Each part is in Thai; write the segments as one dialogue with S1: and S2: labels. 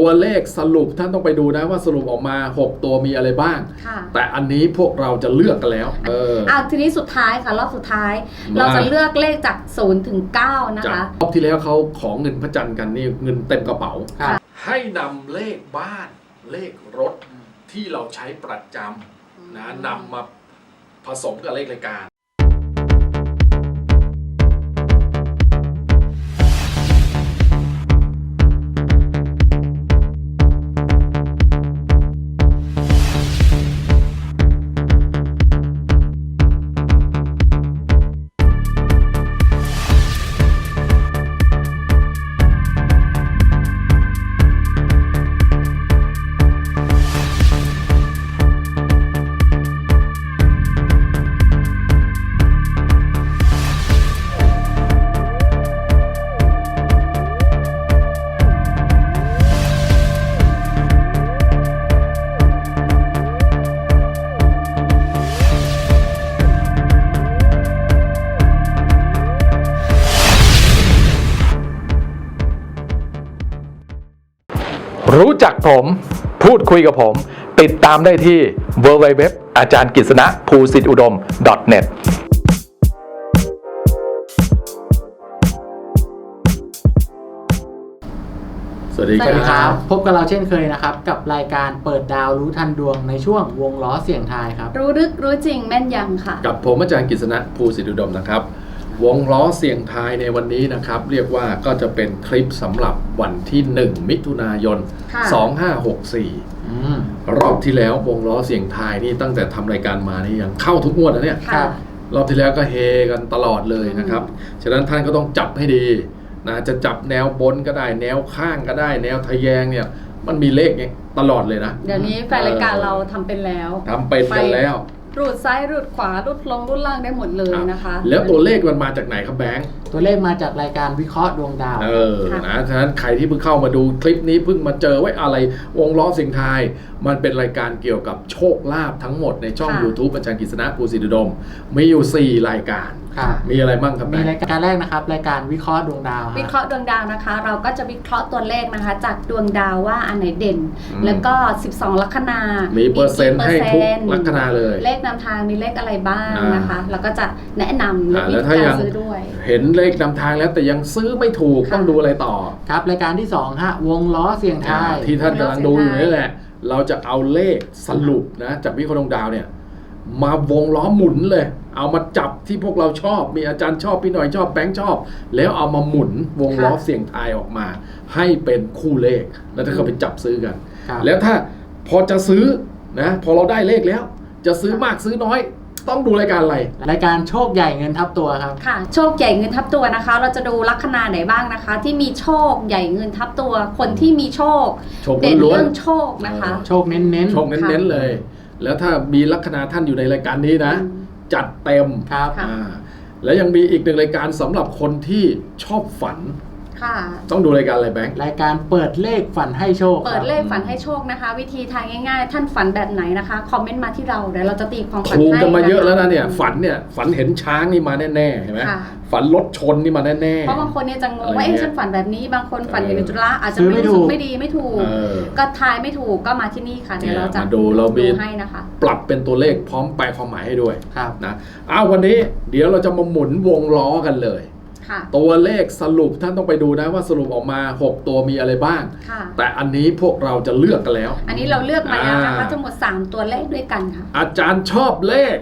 S1: ตัวเลขสรุปท่านต้องไปดูนะว่าสรุปออกมา6ตัวมีอะไรบ้างแต่อันนี้พวกเราจะเลือกกันแล้ว
S2: ทีนี้สุดท้ายค่ะรอบสุดท้ายเราจะเลือกเลขจาก0 ถึง 9นะคะ
S1: รอบที่แล้วเขาของเงินพระจันทร์กันนี่เงินเต็มกระเป๋าให้นำเลขบ้านเลขรถที่เราใช้ประจำนะนำมาผสมกับเลขรายการรู้จักผมพูดคุยกับผมติดตามได้ที่ www อาจารย์กฤษณะภูสิทธิอุดม .net สวัสดีครับ
S3: พบกับเราเช่นเคยนะครับกับรายการเปิดดาวรู้ทันดวงในช่วงวงล้อเสี่ยงทายครับ
S2: รู้ลึกรู้จริงแม่นยำค่ะ
S1: กับผมอาจารย์กฤษณะภูสิทธิอุดมนะครับวงล้อเสี่ยงทายในวันนี้นะครับเรียกว่าก็จะเป็นคลิปสำหรับวันที่1มิถุนายน2564รอบที่แล้ววงล้อเสี่ยงทายนี่ตั้งแต่ทำรายการมานี่ยังเข้าทุกงวดนะเนี่ยรอบที่แล้วก็เฮกันตลอดเลยนะครับฉะนั้นท่านก็ต้องจับให้ดีนะจะจับแนวบนก็ได้แนวข้างก็ได้แนวทะแยงเนี่ยมันมีเลขเนี่ยตลอดเลยนะ
S2: เดี๋ยวนี้แฟนรายการเราทำเป็นแล้ว
S1: แล้ว
S2: รูดซ้ายรูดขวารูดลงรูดล่างได้หมดเลยนะคะ
S1: แล้วตัวเลขมันมาจากไหนครับแบงค์
S3: ตัวเลขมาจากรายการวิเคราะห์ดวงดาว
S1: นะฉะนั้นใครที่เพิ่งเข้ามาดูคลิปนี้เพิ่งมาเจอไว้อะไรวงล้อเสี่ยงทายมันเป็นรายการเกี่ยวกับโชคลาภทั้งหมดในช่อง YouTube อาจารย์กฤษณะภูสิทธิอุดมมีอยู่4รายการมีอะไรบ้างครับ
S3: มีรายการแรกนะครับรายการวิเคราะห์ดวงดาว
S2: วิเคราะห์ดวงดาวนะคะเราก็จะวิเคราะห์ตัวเลขนะคะจากดวงดาวว่าอันไหนเด่นแล้วก็12ลัคนา
S1: มีเปอร์เซ็นต์ให้ทุกลัคนาเลย
S2: เลขนำทางมีเลขอะไรบ้างนะคะแล้วก็จะแนะนำและวิธีการซื้อด้วย
S1: เห็นเลขนำทางแล้วแต่ยังซื้อไม่ถูกต้องดูอะไรต่อ
S3: ครับรายการที่2ฮะวงล้อเสี่ยงทาย
S1: ที่ท่านกำลังดูอยู่นี่แหละเราจะเอาเลขสรุปนะจากวิเคราะห์ดวงดาวเนี่ยมาวงล้อหมุนเลยเอามาจับที่พวกเราชอบมีอาจารย์ชอบพี่หน่อยชอบแบงค์ชอบแล้วเอามาหมุนวงล้อเสี่ยงทายออกมาให้เป็นคู่เลขแล้วถ้าเขาไปจับซื้อกันแล้วถ้าพอจะซื้อนะพอเราได้เลขแล้วจะซื้อมากซื้อน้อยต้องดูรายการอะไร
S3: รายการโชคใหญ่เงินทับตัวครับ
S2: ค่ะโชคใหญ่เงินทับตัวนะคะเราจะดูลัคนาไหนบ้างนะคะที่มีโชคใหญ่เงินทับตัวคนที่มีโชคเด่นเรื่องโชคนะคะ
S3: โชคเน้น
S1: โชคเน้นเลยแล้วถ้ามีลัคนาท่านอยู่ในรายการนี้นะจัดเต็ม
S3: ครับ
S1: แล้วยังมีอีกหนึ่งรายการสำหรับคนที่ชอบฝันต้องดูรายการอะไรแบงค์
S3: รายการเปิดเลขฝันให้โชค
S2: เปิดเลขฝันให้โชคนะคะวิธีทางง่ายๆท่านฝันแบบไหนนะคะคอมเมนต์มาที่เราเดี๋ยวเราจะตีความฝันให้
S1: ถูกกันมาเยอะแล้วนะเนี่ยฝันเห็นช้างนี่มาแน่ๆเห็นไหมฝันรถชนนี่มาแน่
S2: ๆเพราะบางคนเนี่ยจะงงว่าฉันฝันแบบนี้บางคนฝันเห็นจุฬาอาจจะไม่ถูกไม่ดีไม่ถูกก็ทายไม่ถูกก็มาที่นี่ค่ะเดี๋ยวเราจะ
S1: ดู
S2: ให้นะคะ
S1: ปรับเป็นตัวเลขพร้อมแปลความหมายให้ด้วยนะวันนี้เดี๋ยวเราจะมาหมุนวงล้อกันเลยตัวเลขสรุปท่านต้องไปดูนะว่าสรุปออกมา6ตัวมีอะไรบ้างแต่อันนี้พวกเราจะเลือกกันแล้ว
S2: อันนี้เราเลือกมาแล้วนะคะทั้งหมด3ตัวเลขด้วยกันค่ะ
S1: อาจารย์ชอบเลข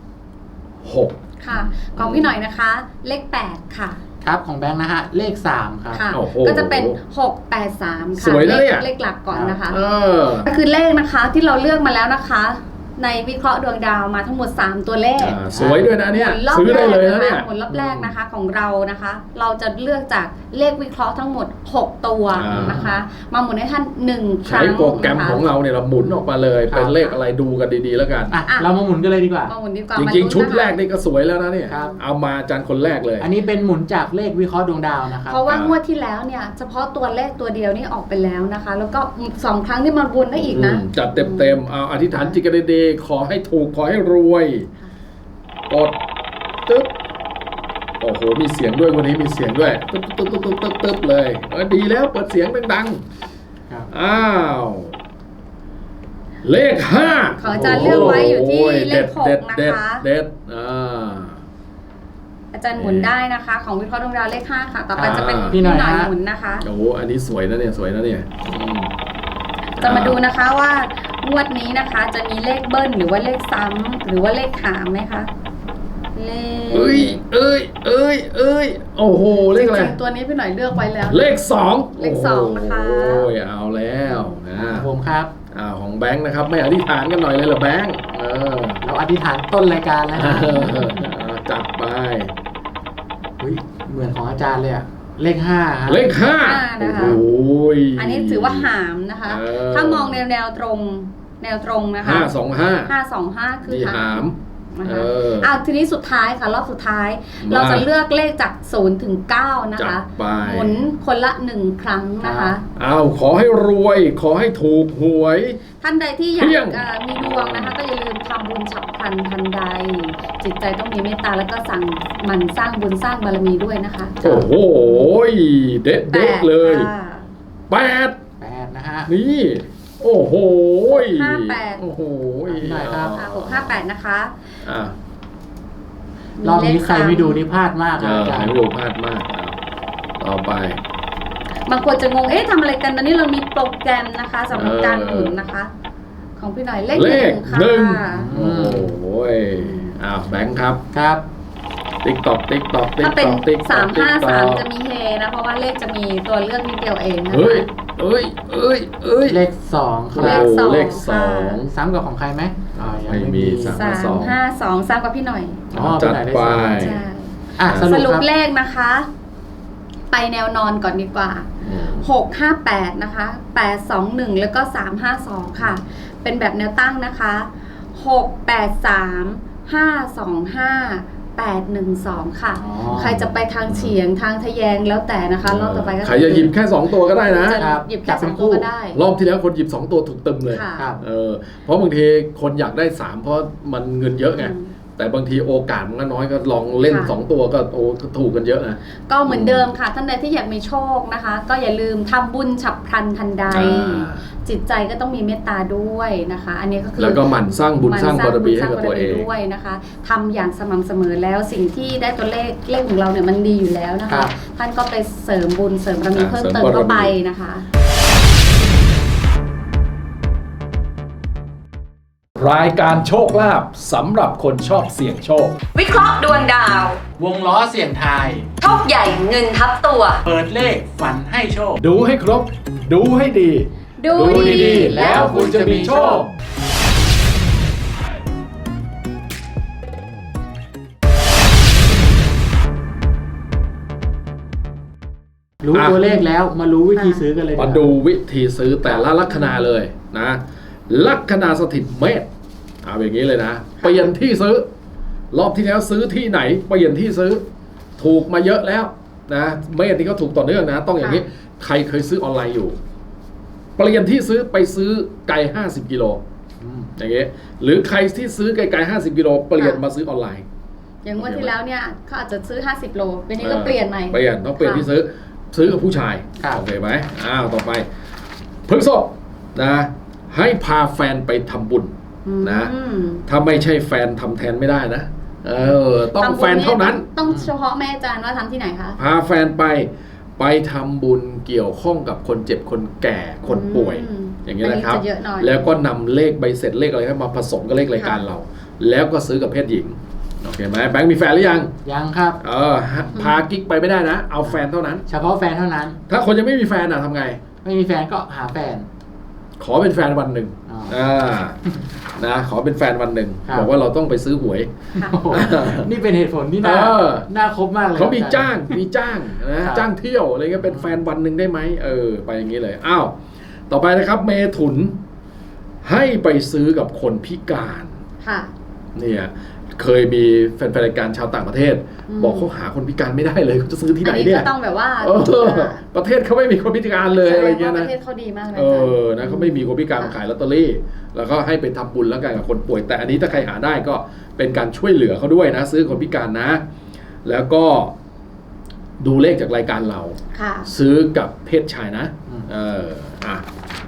S1: 6
S2: ค่ะของพี่หน่อยนะคะเลข8ค่ะ
S3: ครับของแบงค์นะฮะเลข3ครับ
S2: ก็จะเป็น683ค่ะ
S1: สวยนะเนี่ย
S2: เลขหลักก่อนนะคะก็คือเลขนะคะที่เราเลือกมาแล้วนะคะในวิเคราะห์ดวงดาวมาทั้งหมด3ตัวเลข
S1: สวยด้วยนะเนี่ยซื้อได้เลยนะเนี่ย
S2: ผลรอบแรกนะคะของเรานะคะเราจะเลือกจากเลขวิเคราะห์ทั้งหมด6ตัวนะคะมาหมุนให้ท่าน1ครั้ง
S1: ใช้โปรแกรมของเราเนี่ยเราหมุนออกมาเลยเป็นเลขอะไรดูกันดีๆแล้วกัน
S3: เรามาหมุนกันเลยดีกว่า
S1: จริงๆชุดแรกนี่ก็สวยแล้วนะเนี่ยเอามาอาจารย์คนแรกเลย
S3: อันนี้เป็นหมุนจากเลขวิเคราะห์ดวงดาวนะครับ
S2: เพราะว่างวดที่แล้วเนี่ยเฉพาะตัวเลขตัวเดียวนี่ออกไปแล้วนะคะแล้วก็2ครั้งที่มันวนได้อีกนะ
S1: จัดเต็มเอาอธิษฐานจิตกันดีๆขอให้ถูกขอให้รวยกดตึ๊บโอ้โหมีเสียงด้วยวันนี้มีเสียงด้วยตึ๊บเลยดีแล้วเปิดเสียงดัง
S3: ครับ
S1: อ้าวเลข 5
S2: ของอาจารย์เลือกไว้อยู่ที่เลข
S1: เด็ด
S2: 6 นะ
S1: เด็ด
S2: คะ
S1: เด็ด
S2: อาจารย์หมุนได้นะคะ ของวิเคราะห์ดวงดาวเลข 5 ค่ะ ต่อไปจะเป็น
S3: พี่หน่อย
S2: หมุนนะคะ
S1: โอ้โหอันนี้สวยนะเนี่ยสวยนะเนี่ย
S2: จะมาดูนะคะว่างวดนี้นะคะจะมีเลขเบิ้ลหรือว่าเลขซ้ำหรือว่าเลขหามไหมคะเลข
S1: เอ้ยโอ้โหเลขอะไร
S2: จริงๆตัวนี้พี่หน่อยเลือกไว้แล้ว
S1: เลข 2
S2: เลข2นะคะ
S1: โอ้ยเอาแล้วนะ
S3: ผมครับ
S1: ของแบงค์นะครับไม่อธิษฐานกันหน่อยเลยเหรอแบงค์
S3: เราอธิษฐานต้นรายการแล้วนะ
S1: จัดไป
S3: เฮ้ยเหมือนของอาจารย์เลยอะเลข 5 ครับ
S1: เลข
S2: 5 นะคะ
S1: โอ้ย
S2: อันนี้ถือว่าหามนะคะ ถ้ามองแนวตรงนะคะ
S1: 525
S2: คือ
S1: นี่หาม
S2: นะคะทีนี้สุดท้ายค่ะรอบสุดท้าย เราจะเลือกเลขจาก0ถึง9นะ
S1: จั
S2: คะ
S1: ดไป
S2: หมุนคนละ1ครั้งนะคะ
S1: ขอให้รวยขอให้ถูกหวย
S2: ท่านใดที่อยา
S1: เพียง
S2: กมีดวงนะคะ ก็อย่าลืมทำบุญฉับพลันทันใด จิตใจต้องมีเมตตาแล้วก็สั่งมันสร้างบุญสร้างบารมีด้วยนะคะ
S1: โอ้โหเด็ดเลย
S2: ค่ะ
S1: 8
S3: นะฮะ
S1: นี่โอ้โห
S2: 58
S1: โอ้โห
S3: หน่อยครับ
S2: 658นะคะ
S3: รอบนี้ใครไม่ดูนี่พลาดมากครับอาจาร
S1: ไม่
S3: ย์
S1: ดูพลาดมากต่อไป
S2: บางคนจะงงทำอะไรกันตอนนี้เรามีโปรแกรมนะคะสำหรับการหมุนนะคะ ของพี่หน่อยเลข 1ค่ะ
S1: โอ้โหแบงค์ครับ
S3: ครับ
S1: ติ๊กตอก
S2: ถ้าเป็น353จะมีเฮนะเพราะว่าเลขจะมีตัวเลือกนิดเดียวเองนะคะ
S1: เฮ้ย
S3: เลข 2 ค
S2: เล
S3: รับ
S2: ข
S1: เลข
S2: ค่ะ
S3: ซ้ำกับของใครไหมยัง
S1: ไม่มี
S2: 352ซ้ำกับพี่หน่อย
S1: จัดไป
S2: ใช่
S3: ส
S2: ส
S3: รุ
S2: รุ
S3: ป
S2: ป
S3: ครับ
S2: เลขนะคะ ไปแนวนอนก่อนดีกว่า 658 นะคะ 821 แล้วก็ 352 ค่ะ เป็นแบบแนวตั้งนะคะ 683 525 812 ค่ะ ใครจะไปทางเฉียงทางทะแยงแล้วแต่นะคะรอบต่อไปก็
S1: ใครจะหยิบแค่ 2 ตัวก็ได้นะ
S2: จะหยิบแค่2ตัวก็ได้
S1: รอบที่แล้วคนหยิบ 2 ตัวถูกตึมเลย
S2: ค่ะ
S3: ครับ
S1: เพราะบางทีคนอยากได้ 3 เพราะมันเงินเยอะไง แต่บางทีโอกาสมันก็น้อยก็ลองเล่น 2 ตัวก็ถูกกันเยอะนะ
S2: ก็เหมือนเดิมค่ะท่านใดที่อยากมีโชคนะคะ ก็อย่าลืมทำบุญฉับพลันทันใด จิตใจก็ต้องมีเมตตาด้วยนะคะ อันนี้ก็คือ
S1: แล้วก็หมั่นสร้างบุญสร้างบารมีให้กับตัวเอง
S2: ด้วยนะคะทำอย่างสม่ำเสมอแล้วสิ่งที่ได้ตัวเลขของเราเนี่ยมันดีอยู่แล้วนะ
S3: ครั
S2: คะ
S3: บ
S2: ท่านก็ไปเสริมบุญเสริมบารมีเพิ่มเติม
S1: เสริมบารมี
S2: เข้าไปนะคะ
S1: รายการโชคลาภสำหรับคนชอบเสี่ยงโชค
S2: วิเคราะห์ดวงดาว
S3: วงล้อเสี่ยงทาย
S2: โชคใหญ่เงินทับตัว
S3: เปิดเลขฝันให้โชค
S1: ดูให้ครบ ดูให้ดี
S2: ดู
S1: ดีๆแล้วคุณจะมีโชค
S3: รู้ตัวเลขแล้วมารู้วิธีซื้อกันเลย
S1: มาดูวิธีซื้อแต่ละลัคนาเลยนะ ลัคนาสถิตเมษเอาอย่างนี้เลยนะ เปลี่ยนที่ซื้อ รอบที่แล้วซื้อที่ไหนเปลี่ยนที่ซื้อ ถูกมาเยอะแล้วนะเมษนี่ก็ถูกต่อเนื่องนะ ต้องอย่างนี้ ใครเคยซื้อออนไลน์อยู่ เปลี่ยนที่ซื้อไปซื้อไก่50 กิโลอย่างเงี้ยหรือใครที่ซื้อไก่50 กิโลเปลี่ยนมาซื้อออนไลน์
S2: อย่างงวดที่แล้วเนี่ยเขาอาจจะซื้อ50 โลเป็นนี้ก็เปลี่ยนใหม่
S1: เปลี่ยนต้องเปลี่ยนที่ซื้อกับผู้ชาย
S3: ครับ
S1: โอเคไหมต่อไปพฤษภนะให้พาแฟนไปทำบุญนะ ถ้าไม่ใช่แฟนทำแทนไม่ได้นะต้องแฟนเท่านั้น
S2: ต้องเฉพาะแม่อาจารย์ว่าทำที่ไหนคะ
S1: พาแฟนไปทำบุญเกี่ยวข้องกับคนเจ็บคนแก่คนป่วย อย่างนี้นะครับ
S2: อัจะเยอะหน่อย
S1: แล้วก็นำเลขใบเสร็จเลขอะไรมาผสมกับเลขรายการเรา แล้วก็ซื้อกับเพศหญิงโอเคไหมแบงค์มีแฟนหรือยัง
S3: ยังครับ
S1: พากิ๊กไปไม่ได้นะ เอาแฟนเท่านั้น
S3: เฉพาะแฟนเท่านั้น
S1: ถ้าคนยังไม่มีแฟนทำไง
S3: ไม่มีแฟนก็หาแฟน
S1: ขอเป็นแฟนวันหนึ่ง นะขอเป็นแฟนวันหนึ่ง
S3: ครับ
S1: บอกว่าเราต้องไปซื้อหวย
S2: ค่ะ
S3: โอ้โหนี่เป็นเหตุผลที่น่าคบมากเลย
S1: เขามี
S3: อรย์
S1: จ้างนะครับ จ้างเที่ยวอะไรเงี้ยเป็นแฟนวันหนึ่งได้ไหมไปอย่างนี้เลยอ้าวต่อไปนะครับเมถุนให้ไปซื้อกับคนพิการ
S2: ค่ะ
S1: เนี่ยเคยมีแฟนๆรายการชาวต่างประเทศ บอกเขาหาคนพิการไม่ได้เลยเขาจะซื้อที่ไหน
S2: อันนี้
S1: เนี่ย
S2: ก็ต้องแบบว่า
S1: ประเทศเขาไม่มีคนพิการเลยอะไรเงี้ย
S2: ป
S1: นะ
S2: ระเทศเขาดีมากเลยอาจารย์
S1: นะเขาไม่มีคนพิการมาขายลอตเตอรี่ แล้วก็ให้ไปทำบุญแล้วกันกับคนป่วย แต่อันนี้ถ้าใครหาได้ก็เป็นการช่วยเหลือเขาด้วยนะ ซื้อคนพิการนะ แล้วก็ดูเลขจากรายการเรา
S2: ค่ะ
S1: ซื้อกับเพศชายนะ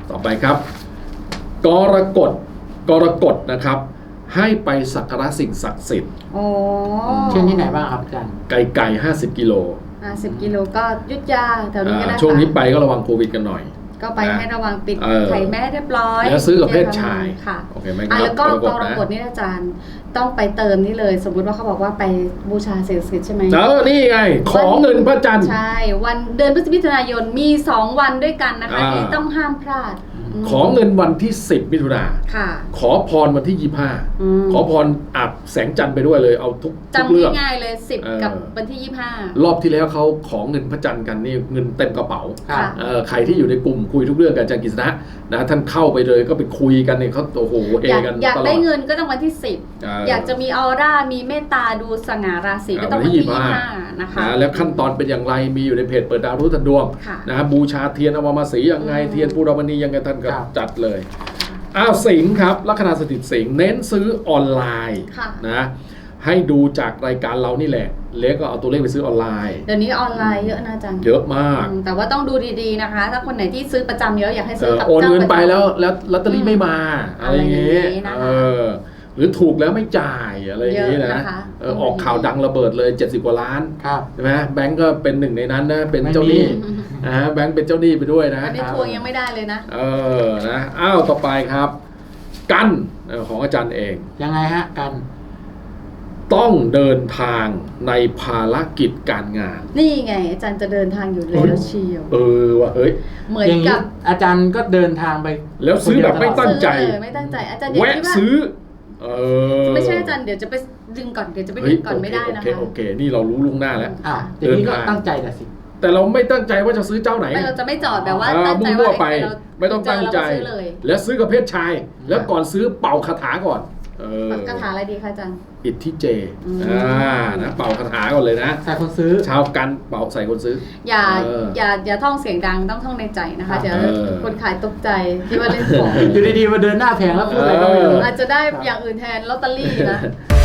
S1: ต่อไปครับ กรกฎนะครับ ให้ไปสักการะสิ่งศักดิ์สิทธิ์
S2: โอ้
S3: เช่นที่ไหนบ้างครับอาจารย์
S1: ไกล50 กิโล
S2: 50 กิโลก็อยุทธยาแถวนี้ก็ได้ค่ะ
S1: ช่วงนี้ไปก็ระวังโควิดกันหน่อย
S2: ก็ไปให้ระวังปิด
S1: เออ
S2: ไข่แม่เรียบร้อย
S1: แล้วซื้อกับเพศชาย
S2: ค่ะ
S1: โอเคไหมครับ
S2: แล้วก็กร
S1: นะ
S2: กฎนี่อาจารย์ต้องไปเติมนี่เลย สมมุติว่าเขาบอกว่าไปบูชาสิ่งศักดิ์สิทธิ์ใช่ไหม
S1: นี่ไง ขอเงินพระจันทร์
S2: ใช่วันเดือนพฤศจิกายนมี 2 วันด้วยกันนะคะ
S1: อ่า
S2: ที่ต้องห้ามพลาดม
S1: ขอเงินวันที่ 10 มิถุนา
S2: ค่ะ
S1: ขอพรวันที่
S2: ม
S1: 25 ขอพรอาบแสงจันทร์ไปด้วยเลยเอาทุก
S2: จำ
S1: เรื่อง
S2: ง่ายๆเลย
S1: เออ
S2: 10 กับวันที่
S1: รอบที่แล้วเขาขอเงินพระจันทร์กันนี่เงินเต็มกระเป๋า
S3: ครับ
S1: ใครที่อยู่ในกลุ่มคุยทุกเรื่องกับอาจารย์กฤษณะนะท่านเข้าไปเลยก็ไปคุยกันเนี่ยเขาโอ้โหเฮ
S2: 25
S1: กัน
S2: อยาก
S1: ตลอ
S2: ได้
S1: ด
S2: เงินก็ต้องวันที่ 10 อยากจะมีออร่ามีเมตตาดูสง่าราศีก็ต้องวันที่ 25 นะคะ
S1: แล้วขั้นตอนเป็นอย่างไรมีอยู่ในเพจเปิดดาวรู้ทันดวง
S2: ค่ะ
S1: นะบูชาเทียนอวมาสียังไงเทียนปูรมณียังไงท่านก็
S3: ครับ
S1: จัดเลยสิงห์ครับลัคนาสถิตสิงห์เน้นซื้อออนไลน์
S2: ค่ะ
S1: นะให้ดูจากรายการเรานี่แหละแล้วก็เอาตัวเลขไปซื้อออนไลน์
S2: เดี๋ยวนี้ออนไลน์เยอะนะอาจารย์
S1: เยอะมาก
S2: แต่ว่าต้องดูดีๆนะคะ ถ้าคนไหนที่ซื้อประจำเยอะอยากให้ซื้อกับ
S1: โอน
S2: เจ้า
S1: เงินไป
S2: ประจำ
S1: แล้วลอตเตอรี่ไม่มาอะไรอย่างเงี้ย
S2: อะไรอย่างงี้นะคะ
S1: หรือถูกแล้วไม่จ่ายอะไรอย่างงี้
S2: เยอะ
S1: นะ
S2: นะคะ
S1: ออกข่าวดังระเบิดเลย70 กว่าล้าน
S3: ครับ
S1: ใช่ไหมแบงก์ก็เป็นหนึ่งในนั้นนะเป็นเจ้าหนี้
S3: ไม่มี
S1: แบงก์เป็นเจ้าหนี้ไปด้วยนะ
S2: อันนี้ทวงยังไม่ได้เลยนะ
S1: นะต่อไปครับกันของอาจารย์เอง
S3: ยังไงฮะกัน
S1: ต้องเดินทางในภารกิจการงาน
S2: นี่ไงอาจารย์จะเดินทางอยู่แล้วเชียว
S1: ว่ะเฮ้ย
S2: เหมือน
S3: อย่างนี้
S2: กับ
S3: อาจารย์ก็เดินทางไป
S1: แล้วซื้อแบบไม่ตั้งใจ
S2: ไม่ตั้งใจอาจารย์อย่า
S1: แวะ
S2: คิดว่า
S1: ซื้อ
S2: ไม่ใช่อาจารย์เดี๋ยวจะไปดึงก่อนเดี๋ยวจะไปดึงก่อนไม่ได้นะคะ
S1: โอเคนี่เรารู้ล่วงหน้าแล้ว
S3: อ้าวอย่างนี้ก็
S1: เดินทาง
S3: ตั้งใจแต่สิ
S1: แต่เราไม่ตั้งใจว่าจะซื้อเจ้าไหน
S2: ไม่เราจะไม่จอดแบบว่าตั้งใจ
S1: มั่ว
S2: ว่า
S1: ๆไป
S2: เรา
S1: ไม่ต้องตั้งใจ
S2: เจอเราก็ซื้อเลย
S1: แล้วซื้อกับเพศชาย แล้วก่อนซื้อเป่าคาถาก่อน
S2: คาถาอะไรดีคะอาจารย์
S1: อิทธิเจ
S2: อืม
S1: นะเป่าคาถาก่อนเลยนะ
S3: ใส่คนซื้อ
S1: ชาวกันเป่าใส่คนซื้อ
S2: อย่าท่องเสียงดังต้องท่องในใจนะคะเดี๋ยว
S1: เออ
S2: คนขายตกใจคิดว่าเล่นของ
S3: อยู่ดีๆมาเดินหน้าแผงแล้วพูดอะไรก็ไม่รู้
S2: อาจจะได้อย่างอื่นแทนลอตเตอรี่นะ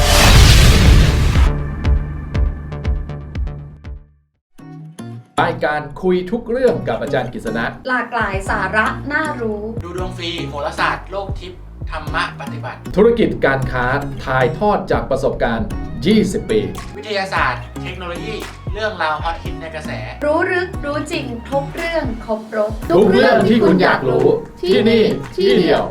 S1: รายการคุยทุกเรื่องกับอาจารย์กฤษณะ
S2: หลากหลายสาระน่ารู้
S3: ดูดวงฟรีโหราศาสตร์โลกทิพย์ธรรมะปฏิบัติ
S1: ธุรกิจการค้าถ่ายทอดจากประสบการณ์ 20 ปี
S3: วิทยาศาสตร์ เทคโนโลยี เรื่องราวฮอตฮิตในกระแส
S2: รู้ลึกรู้จริงทุกเรื่องครบรถ
S1: ทุกเรื่องที่คุณอยากรู้ที่นี่ที่เดียว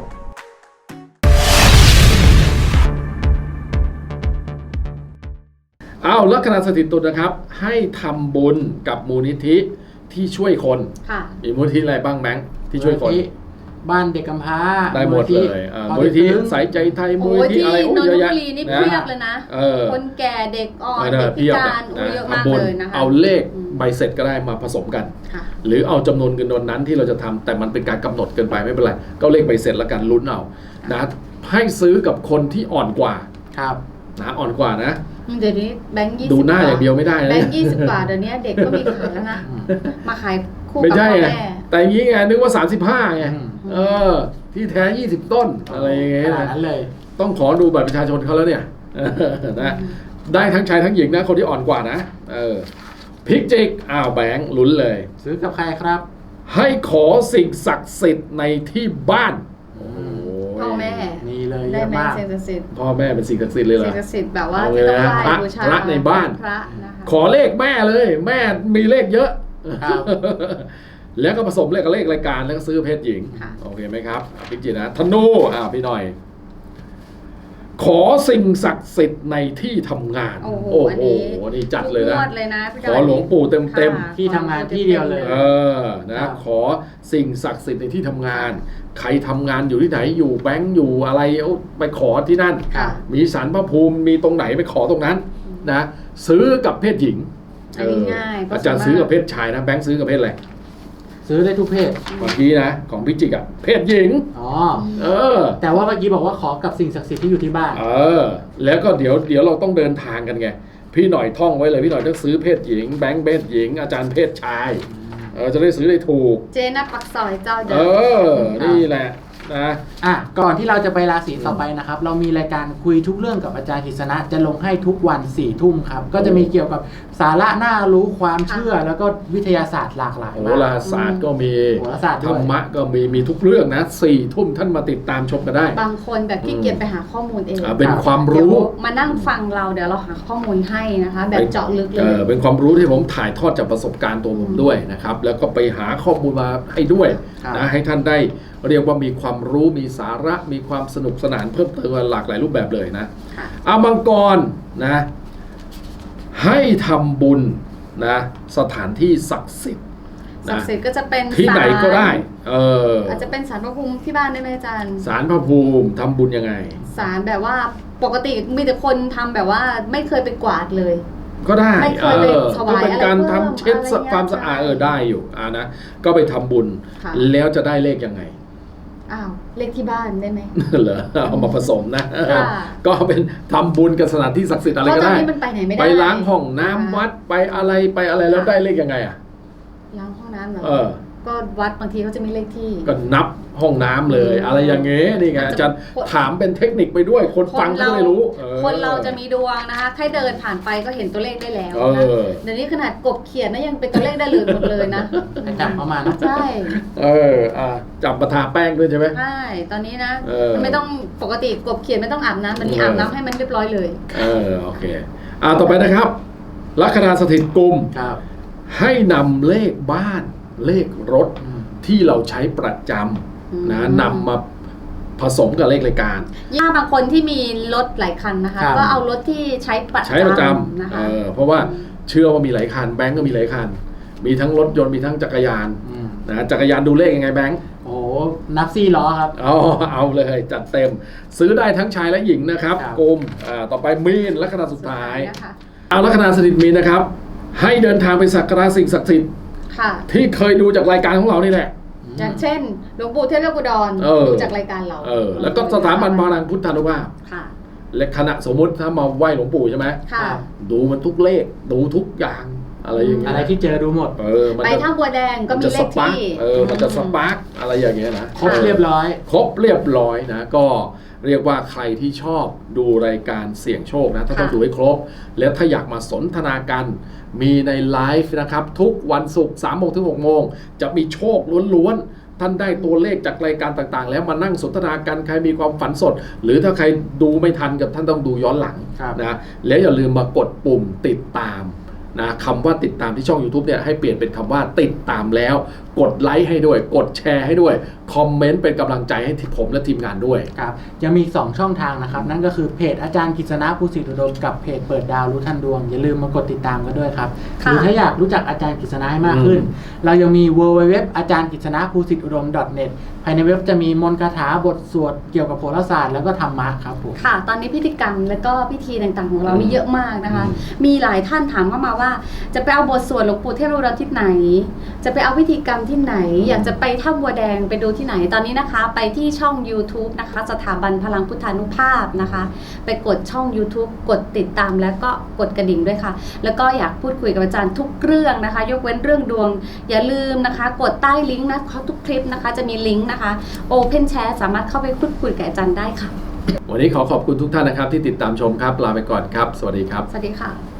S1: ลัคนาสถิตตุลนะครับ ให้ทำบุญกับมูลนิธิที่ช่วยคน
S2: ค่ะ
S1: มีมูลนิธิอะไรบ้างแบงค์ที่ช่วยคน
S3: บ้านเด็กกำพร้า
S1: ได้หมดเลยมูลนิธิสายใจไทยมูล
S2: โอ้
S1: นิ
S2: ย
S1: ธิ
S2: ที่
S1: อะไร
S2: นนท
S1: เยอะแยะ
S2: บุรีนี่เพียบเลยนะ คนแก่เด็กอ่อนเด็กพิการเยอะมากเลยนะคะ
S1: เอาเลขใบเสร็จก็ได้มาผสมกัน
S2: ค่ะ
S1: หรือเอาจำนวนเงินนั้นที่เราจะทำแต่มันเป็นการกำหนดเกินไปไม่เป็นไรก็เลขใบเสร็จแล้วกันลุ้นเอานะให้ซื้อกับคนที่อ่อนกว่า
S3: ครับ
S1: นะอ่อนกว่านะ
S2: เดี๋ยวนี้แบงค์20
S1: ดูหน้าอย่างเดียวไม่ได้
S2: แบ
S1: นะ
S2: งค์20 กว่าเดี๋ยวนี้เด็กก็มีขายแล้วนะ มาขายคู่
S1: ไม่
S2: กับ
S1: ใช่
S2: พ่อ
S1: ไง
S2: แม่
S1: แต่อย่างนี้ไงนึกว่า35ไง
S3: อืม
S1: ที่แท้20ต้นอะไรอย่างเงี้ย
S3: ขนาด
S1: นะ
S3: นั้นเลย
S1: ต้องขอดูบัตรประชาชนเขาแล้วเนี่ยนะได้ทั้งชายทั้งหญิงนะคนที่อ่อนกว่านะพิกจิกแบงค์ลุ้นเลย
S3: ซื้อกับใครครับ
S1: ให้ขอสิ่งศักดิ์สิทธิ์ในที่บ้าน
S2: พ่อแม่
S3: มีเลยเย
S2: ได้
S3: อะ
S2: ไหม
S3: มาก
S2: สิ่งศักดิ์สิทธิ์
S1: พ่อแม่เป็นสิ่งศักดิ์สิทธิ์เลยเหร
S2: สิ่
S1: อง
S2: ศักดิ์สิทธิ์แบบว่า
S1: เอา
S2: ที่ต้องไหว้
S1: เลยนะ
S2: บูชา
S1: พระในบ้าน
S2: พระนะคะ
S1: ขอเลขแม่เลยแม่มีเลขเยอะ
S3: ครับ
S1: แล้วก็ผสมเลขกับเลขรายการแล้วก็ซื้อเพศหญิง
S2: ค่ะ
S1: โอเคไหมครับพิจิตรนะธนูพี่หน่อย ขอสิ่งศักดิ์สิทธิ์ในที่ทำงาน
S2: โอ้โห
S1: อั
S2: อันนี้
S1: นี่จัดเลยนะ
S2: ทุกงวดเลยนะพี่
S1: ขอหลวงปู่เต็ม
S2: ค่ะ
S3: ที่ทำงานที่เดียวเลย
S1: นะขอสิ่งศักดิ์สิทธิ์ในที่ทำงาน ใครทำงานอยู่ที่ไหนอยู่แบงก์อยู่อะไรไปขอที่นั่น
S2: ค่ะ
S1: มีศาลพระภูมิมีตรงไหนไปขอตรงนั้นนะซื้อกับเพศหญิง
S2: อันนี้ง่าย
S1: อาจารย์ซื้อกับเพศชายนะแบงค์ซื้อกับเพศอะไร
S3: ซื้อได้ทุกเพศ
S1: เมื่อกี้นะของพิจิกอะเพศหญิง
S3: อ๋อ
S1: เออ
S3: แต่ว่าเมื่อกี้บอกว่าขอกับสิ่งศักดิ์สิทธิ์ที่อยู่ที่บ้าน
S1: แล้วก็เดี๋ยวเราต้องเดินทางกันไงพี่หน่อยท่องไว้เลยพี่หน่อยต้องซื้อเพศหญิงแบงค์เพศหญิง อาจารย์เพศชายจะได้ซื้อได้ถูก
S2: เจนับปักซอยเจ้าเดิ
S1: นี่แหละนะ
S3: ก่อนที่เราจะไปราศีต่อไปนะครับ เรามีรายการคุยทุกเรื่องกับอาจารย์กฤษณะจะลงให้ทุกวัน4 ทุ่มครับก็จะมีเกี่ยวกับสาระน่ารู้ความเชื่อแล้วก็วิทยาศาสตร์หลากหลาย
S1: โห
S3: มาก
S1: ราศาสตร์ก็มี
S3: โหราศาสตร์
S1: ธ
S3: ด้
S1: ร
S3: วย
S1: รมะก็มีทุกเรื่องนะ4 ทุ่มท่านมาติดตามชมกันได้
S2: บางคนแบบขี้เกียจไปหาข้อมูลเอง
S1: เป็นความ
S2: เดี๋ยว
S1: รู้
S2: มานั่งฟังเราเดี๋ยวเราหาข้อมูลให้นะคะ แบบเจาะลึกเลย
S1: เป็นความรู้ที่ผมถ่ายทอดจากประสบการณ์ตัวผมด้วยนะครับแล้วก็ไปหาข้อมูลมาให้ด้วย
S3: ครับ
S1: นะให้ท่านได้เรียกว่ามีความรู้มีสาระมีความสนุกสนานเพิ่มเติมหลากหลายรูปแบบเลยนะ
S2: ค่ะ
S1: อามังกรนะให้ทำบุญนะสถานที่ศักดิ์สิทธิ์
S2: ศัก
S1: นะ
S2: ดิ์สิทธิ์ก็จะเป็น
S1: ที่ไหนก็ได้อ
S2: อาจจะเป็นศาลพระภูมิที่บ้านได้ไหมอาจารย์
S1: ศาลพระภูมิทำบุญยังไง
S2: ศาลแบบว่าปกติมีแต่คนทำแบบว่าไม่เคยไปกวาดเลย
S1: ก็ได้
S2: ไม่เคยไปถวาย
S1: ก็เป็นการ
S2: อะไรเพิ่ม
S1: ทำเช็ด
S2: อะไรเงี้ย
S1: ความสะอาดได้อยู่นะก็ไปทำบุญ
S2: ค่ะ
S1: แล้วจะได้เลขยังไง
S2: อ้าวเลขที่บ้านได้ไหม
S1: เหรอเอามาผสมนะ
S2: ค่ะ
S1: ก็เป็นทำบุญกับสถานที่ศักดิ์สิทธิ์อะไร
S2: เพราะ
S1: ก็
S2: ตอน
S1: ได้
S2: นี้มันไปไหนไม่ได้
S1: ไปล้างห้องน้ำ
S2: ค่ะ
S1: วัดไปอะไรแล้วได้เลขยังไงอ่ะ
S2: ล้างห้องน้ำเหรอ
S1: เออ
S2: ก็วัดบางทีเขาจะมีเลขที่
S1: ก็นับห้องน้ำเลย อะไรอย่างเงี้ยนี่ไงอาจารย์ถามเป็นเทคนิคไปด้วย คนฟังก็ไม่รู้ออ
S2: คนเราจะมีดวงนะคะแค่เดินผ่านไปก็เห็นตัวเลขได้แล้ว
S1: เอ
S2: นะ
S1: อ
S2: เดี๋ยวนี้ขนาดกบเขียนนะยังเป็นตัวเลขได้เลยหมดเลยนะ
S3: ให้จับเข้ามานะ
S2: ใช่
S1: จับมาทาแป้งด้วยใช่ไหม
S2: ใช่ตอนนี้นะ
S1: เออ
S2: ไม่ต้องปกติกบเขียนไม่ต้องอาบน้ำตอนนี้อาบน้ำให้มันเรียบร้อยเลย
S1: โอเคต่อไปนะครับลัคนาสถิตกุม
S3: ครับ
S1: ให้นำเลขบ้านเลขรถ ที่เราใช้ประจำนะนำมาผสมกับเลขรายการ
S2: ย่าบางคนที่มีรถหลายคันนะคะ
S3: ครับ
S2: ก็เอารถที่ใช้ประ
S1: ใช้ประจ
S2: นะ
S1: ำ
S2: คะ
S1: เพราะว่าเชื่อว่ามีหลายคันแบงก์ก็มีหลายคัน มีทั้งรถยนต์มีทั้งจักรยานนะจักรยานดูเลขยังไงแบงก์
S3: โอ้โหนับ4 ล้อครับ
S1: เอาเลยจัดเต็ม ซื้อได้ทั้งชายและหญิงนะครับ
S3: ครับ
S1: กุมต่อไปมีนลัคนาสุดท้าย
S2: นะคะ
S1: ลัคนาสถิตมีนนะครับ ให้เดินทางไปสักการะสิ่งศักดิ์สิทธิ์
S2: ค่ะ
S1: ที่เคยดูจากรายการของเรานี่แหละ
S2: อย่างเช่นหลวงปู่เทพเลือกอุดร
S1: เออ
S2: ดูจากรายการเรา
S1: แล้วก็สถาบันพลังพุทธานุภาพ
S2: ค่ะ
S1: และคณะสมมุติถ้ามาไหว้หลวงปู่ใช่ไหม
S2: ค่ะ
S1: ดูมันทุกเลขดูทุกอย่างอะไรอย่างเงี้ย
S3: อะไรที่เจอดูหมด
S1: มัน
S2: ไป
S1: จะ
S2: ท่าบัวแดงก็มีเลขที่
S1: มันจะสปาร์กอะไรอย่างเงี้ยนะ
S3: ครบเรียบร้อย
S1: ครบเรียบร้อยนะก็เรียกว่าใครที่ชอบดูรายการเสี่ยงโชคนะถ้าต้องดูให้ครบ แล้วถ้าอยากมาสนทนากันมีในไลฟ์นะครับทุกวันศุกร์3 โมงถึง 6 โมงจะมีโชคล้วนๆท่านได้ตัวเลขจากรายการต่างๆ แล้วมานั่งสนทนากันใครมีความฝันสด หรือถ้าใครดูไม่ทันกับท่านต้องดูย้อนหลัง
S3: ครับ
S1: นะแล้วอย่าลืมมากดปุ่มติดตามนะคำว่าติดตามที่ช่อง YouTube เนี่ยให้เปลี่ยนเป็นคำว่าติดตามแล้วกดไลค์ให้ด้วยกดแชร์ให้ด้วยคอมเมนต์เป็นกำลังใจให้ผมและทีมงานด้วย
S3: ครับยังมี2 ช่องทางนะครับนั่นก็คือเพจอาจารย์กฤษณะภูสิทธิอุดมกับเพจเปิดดาวรู้ทันดวงอย่าลืมมากดติดตามกันด้วยครับห
S2: ค่ะ
S3: รือถ้าอยากรู้จักอาจารย์กฤษณะให้มากขึ้น เรายังมี www อาจารย์กฤษณะภูสิทธิอุดม .net ภายในเว็บจะมีมนต์คาถาบทสวดเกี่ยวกับโหราศาสตร์แล้วก็ธรรมะครับผม
S2: ค่ะ ตอนนี้พิธีกรรมและก็พิธีต่างๆของเรามีเยอะมากนะคะ มีหลายท่านถามเข้ามาว่า จะไปเอาบทสวดหลวงปู่เทพอุดรที่ไหน จะไปเอาพิธีกรรมที่ไหน อยากจะไปถ้ำบัวแดงไปดูที่ไหน ตอนนี้นะคะ ไปที่ช่อง YouTube นะคะ สถาบันพลังพุทธานุภาพนะคะ ไปกดช่อง YouTube กดติดตามแล้วก็กดกระดิ่งด้วยค่ะ แล้วก็อยากพูดคุยกับอาจารย์ทุกเรื่องนะคะ ยกเว้นเรื่องดวง อย่าลืมนะคะ กดใต้ลิงก์นะทุกคลิปนะคะ จะมีลิงก์นะคะ Open Chat สามารถเข้าไปพูดคุยกับอาจารย์ได้ค่ะ
S1: วันนี้ขอขอบคุณทุกท่านนะครับที่ติดตามชมครับลาไปก่อนครับสวัสดีครับ
S2: สวัสดีค่ะ